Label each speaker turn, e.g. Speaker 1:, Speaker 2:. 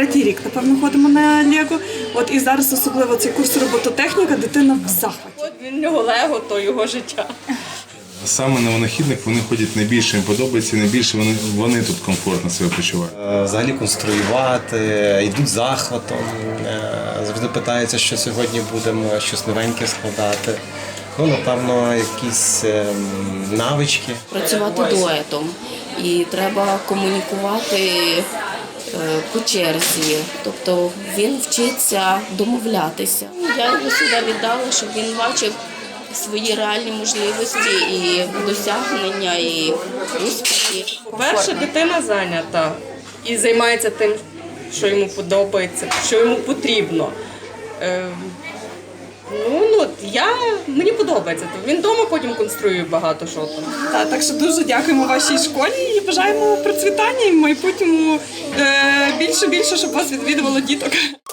Speaker 1: третій рік, напевно, ходимо на Лего. От і зараз особливо цей курс робототехніка, дитина в захваті.
Speaker 2: От він в нього Лего, то його життя.
Speaker 3: Саме на винахідник вони ходять найбільше, їм подобається, найбільше вони тут комфортно себе почувають.
Speaker 4: Взагалі конструювати, йдуть захватом, завжди питаються, що сьогодні будемо щось новеньке складати. Ну, напевно, якісь навички.
Speaker 5: Працювати дуетом і треба комунікувати по черзі, тобто він вчиться домовлятися. Я його сюди віддала, щоб він бачив свої реальні можливості і досягнення, і успіхи.
Speaker 2: По-перше, дитина зайнята і займається тим, що йому подобається, що йому потрібно. Мені подобається. Він вдома потім конструює багато що там.
Speaker 1: Так що дуже дякуємо вашій школі і бажаємо процвітання і в майбутньому більше, щоб вас відвідувало діток.